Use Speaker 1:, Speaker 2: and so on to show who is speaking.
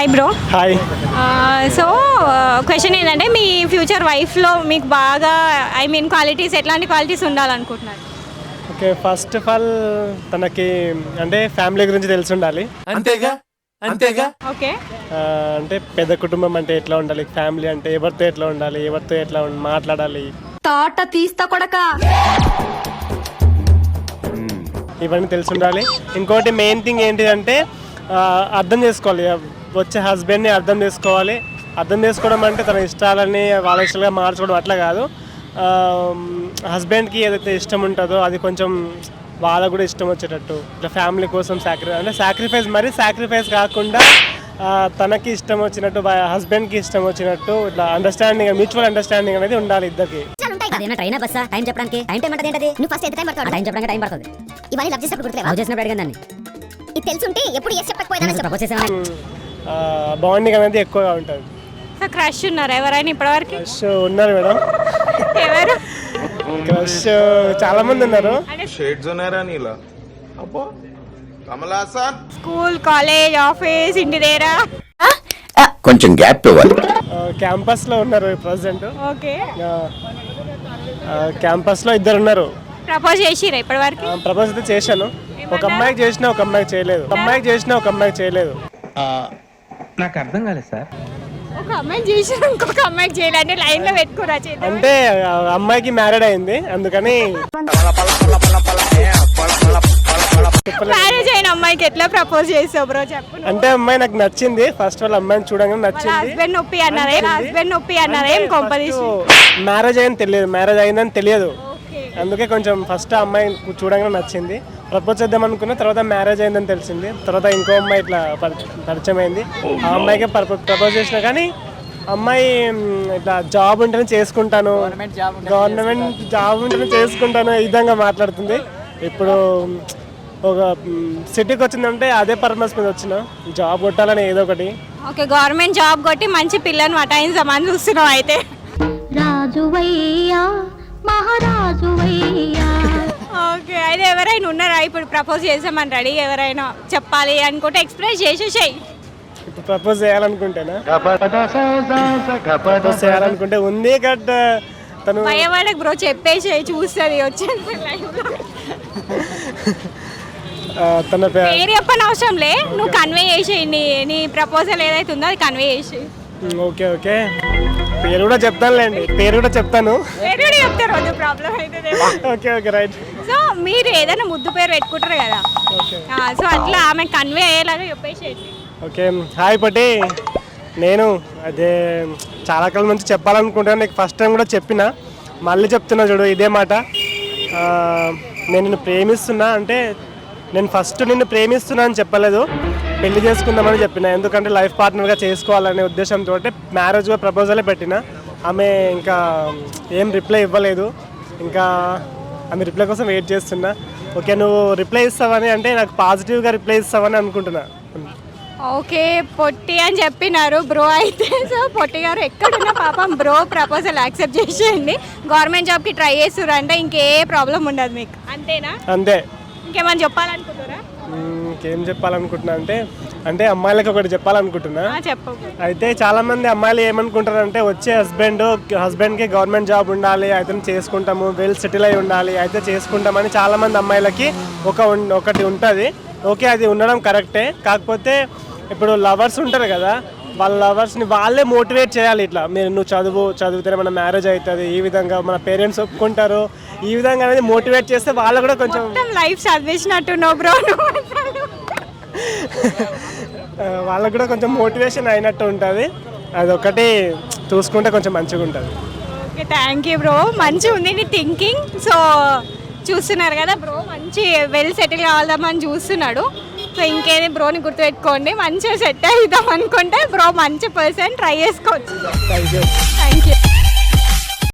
Speaker 1: Hi bro.
Speaker 2: Hi.
Speaker 1: So question ఏంటంటే మీ future వైఫ్లో మీకు బాగా క్వాలిటీస్ ఎట్లాంటి క్వాలిటీస్ ఉండాలనుకుంటున్నారు?
Speaker 2: ఓకే, ఫస్ట్ ఆఫ్ ఆల్ తనకి అంటే ఫ్యామిలీ గురించి తెలిసి ఉండాలి.
Speaker 3: అంతేగా
Speaker 1: ఓకే.
Speaker 2: అంటే పెద్ద కుటుంబం అంటే ఎట్లా ఉండాలి, ఫ్యామిలీ అంటే ఎవరితో ఎట్లా ఉండాలి, ఎవరితో ఎట్లా మాట్లాడాలి,
Speaker 4: తోట తీస్తా కొడక,
Speaker 2: ఇవన్నీ తెలిసి ఉండాలి. ఇంకోటి మెయిన్ థింగ్ ఏంటిదంటే అర్థం చేసుకోవాలి, వచ్చే హస్బెండ్ని అర్థం చేసుకోవాలి. అర్థం చేసుకోవడం అంటే తన ఇష్టాలని వాళ్ళ ఇష్టాలుగా మార్చుకోవడం అట్లా కాదు. హస్బెండ్కి ఏదైతే ఇష్టం ఉంటుందో అది కొంచెం వాళ్ళకు కూడా ఇష్టం వచ్చేటట్టు, ఇట్లా ఫ్యామిలీ కోసం సాక్రిఫైస్ కాకుండా తనకి ఇష్టం వచ్చినట్టు హస్బెండ్కి ఇష్టం వచ్చినట్టు ఇట్లా అండర్స్టాండింగ్, మ్యూచువల్ అండర్స్టాండింగ్ అనేది ఉండాలి ఇద్దరికి. బాండింగ్ అనేది ఎక్కువగా ఉంటుంది.
Speaker 1: క్రష్ ఉన్నారు ఎవరైనా ఇప్పటివరకు?
Speaker 2: క్రష్ ఉన్నారు మేడం,
Speaker 1: ఎవరు?
Speaker 2: క్రష్ చాలా మంది ఉన్నారు.
Speaker 1: స్కూల్, కాలేజ్, ఆఫీస్, ఇంటి దగ్గర,
Speaker 3: కొంచెం గ్యాప్ ఇవ్వాలి.
Speaker 2: క్యాంపస్ లో ఉన్నారు ప్రజెంట్.
Speaker 1: ఓకే.
Speaker 2: క్యాంపస్ లో ఇద్దరు ఉన్నారు.
Speaker 1: ప్రపోజ్ చేసిరా ఇప్పటివరకు?
Speaker 2: ప్రపోజ్ అయితే చేశాను. ఒక అమ్మాయికి చేసినా ఒక అమ్మాయికి చేయలేదు.
Speaker 5: నాకు అర్థం కాలేదు సార్.
Speaker 1: ఒక అమ్మాయి చేసిన ఇంకొక అమ్మాయికి చేయాలంటే లైన్ లో పెట్టుకోరా?
Speaker 2: అంటే అమ్మాయికి మ్యారేడ్ అయింది అందుకని.
Speaker 1: మ్యారేజ్ అయిన అమ్మాయికి ఎట్లా ప్రపోజ్ చేసావు బ్రో చెప్పు.
Speaker 2: అంటే అమ్మాయి నాకు నచ్చింది, ఫస్ట్ వాళ్ళ అమ్మాయిని చూడగానే నచ్చింది.
Speaker 1: హస్బెండ్ నొప్పి అన్నారేం కొంపదీసి?
Speaker 2: మ్యారేజ్ అయిందని తెలియదు, అందుకే కొంచెం ఫస్ట్ ఆ అమ్మాయి చూడగానే నచ్చింది. ప్రపోజ్ చేద్దాం అనుకున్న తర్వాత మ్యారేజ్ అయిందని తెలిసింది. తర్వాత ఇంకో అమ్మాయి ఇట్లా పరిచయం అయింది. ఆ అమ్మాయికి ప్రపోజ్ చేసినా కానీ అమ్మాయి ఇట్లా జాబ్ ఉంటేనే చేసుకుంటాను, గవర్నమెంట్ జాబ్ ఉంటేనే చేసుకుంటాను ఈ విధంగా మాట్లాడుతుంది. ఇప్పుడు ఒక సిటీకి వచ్చిందంటే అదే పర్పస్ మీద వచ్చిన, జాబ్ కొట్టాలని ఏదో ఒకటి.
Speaker 1: ఓకే, గవర్నమెంట్ జాబ్ కొట్టి మంచి పిల్లని వటాయించమని చూస్తున్నాం అయితే. ఓకే, అయితే ఎవరైనా ఉన్నారా ఇప్పుడు ప్రపోజ్ చేసామని రెడీ? ఎవరైనా చెప్పాలి అనుకుంటే ఎక్స్ప్రెస్ చేసేసాయి.
Speaker 2: ఇప్పుడు ప్రపోజ్ చేయాలనుకుంటేనా? ప్రపోజ్ చేయాలనుకుంటే ఉంది కట్ తను
Speaker 1: భయపడకు బ్రో, చెప్పేసి చూస్తుంది వచ్చేది.
Speaker 2: తన
Speaker 1: పేరు చెప్పని అవసరం లే, నువ్వు కన్వే చేసేయి. నీ ప్రపోజల్ ఏదైతే ఉందో అది కన్వే చేసి.
Speaker 2: ఓకే ఓకే, పేరు కూడా చెప్తానులేండి, పేరు కూడా చెప్తాను.
Speaker 1: చెప్తారు ప్రాబ్లం అయితే.
Speaker 2: Okay okay right.
Speaker 1: సో మీరు ఏదైనా ముద్దు పేరు పెట్టుకుంటారు కదా, సో అట్లా ఆమె కన్వే అయ్యేలాగా చెప్పేసేయండి.
Speaker 2: ఓకే, హాయ్ పటి, నేను అదే చాలా కాలం నుంచి చెప్పాలనుకుంటున్నాను. నీకు ఫస్ట్ టైం కూడా చెప్పిన, మళ్ళీ చెప్తున్నా చూడు ఇదే మాట. నేను నిన్ను ప్రేమిస్తున్నా అంటే నేను ఫస్ట్ నిన్ను ప్రేమిస్తున్నా అని చెప్పలేదు, పెళ్లి చేసుకుందామని చెప్పిన. ఎందుకంటే లైఫ్ పార్ట్నర్గా చేసుకోవాలనే ఉద్దేశంతో మ్యారేజ్గా ప్రపోజలే పెట్టిన. ఆమె ఇంకా ఏం రిప్లై ఇవ్వలేదు, ఇంకా ఆమె రిప్లై కోసం వెయిట్ చేస్తున్నా. ఓకే, నువ్వు రిప్లై ఇస్తావని అంటే నాకు పాజిటివ్గా రిప్లై ఇస్తావని అనుకుంటున్నా.
Speaker 1: ఓకే, పొట్టి అని చెప్పినారు బ్రో అయితే. సో పొట్టి గారు ఎక్కడున్నా పాపం బ్రో ప్రపోజల్ యాక్సెప్ట్ చేసేయండి. గవర్నమెంట్ జాబ్కి ట్రై చేస్తున్నారు అంటే ఇంకే ప్రాబ్లం ఉండదు మీకు, అంతేనా?
Speaker 2: అంతే.
Speaker 1: ఇంకేమని చెప్పాలనుకుంటున్నారా?
Speaker 2: ఇంకేం చెప్పాలనుకుంటున్నా అంటే అమ్మాయిలకి ఒకటి చెప్పాలనుకుంటున్నా.
Speaker 1: చెప్పు.
Speaker 2: అయితే చాలా మంది అమ్మాయిలు ఏమనుకుంటారంటే వచ్చే హస్బెండ్కి గవర్నమెంట్ జాబ్ ఉండాలి, అయితే చేసుకుంటాము, వెల్ సెటిల్ అయి ఉండాలి, అయితే చేసుకుంటామని చాలా మంది అమ్మాయిలకి ఒకటి ఉంటుంది. ఓకే, అది ఉండడం కరెక్టే. కాకపోతే ఇప్పుడు లవర్స్ ఉంటారు కదా, వాళ్ళ లవర్స్ని వాళ్ళే మోటివేట్ చేయాలి. ఇట్లా నువ్వు చదివితేనే మన మ్యారేజ్ అవుతుంది, ఈ విధంగా మన పేరెంట్స్ ఒప్పుకుంటారు, ఈ విధంగా అనేది మోటివేట్ చేస్తే వాళ్ళు కూడా కొంచెం
Speaker 1: లైఫ్ చదివించినట్టు నో బ్రో,
Speaker 2: వాళ్ళకు కూడా కొంచెం మోటివేషన్ అయినట్టు ఉంటుంది. అదొకటి చూసుకుంటే కొంచెం మంచిగా ఉంటుంది.
Speaker 1: ఓకే, థ్యాంక్ యూ బ్రో, మంచిగా ఉంది నీ థింకింగ్. సో చూస్తున్నారు కదా బ్రో, మంచి వెల్ సెటిల్ కావాలని చూస్తున్నాడు. సో ఇంకేది బ్రోని గుర్తుపెట్టుకోండి, మంచిగా సెట్ అవుదాం అనుకుంటే బ్రో మంచి పర్సన్ ట్రై చేసుకోవచ్చు.
Speaker 2: Thank you.
Speaker 1: Thank you.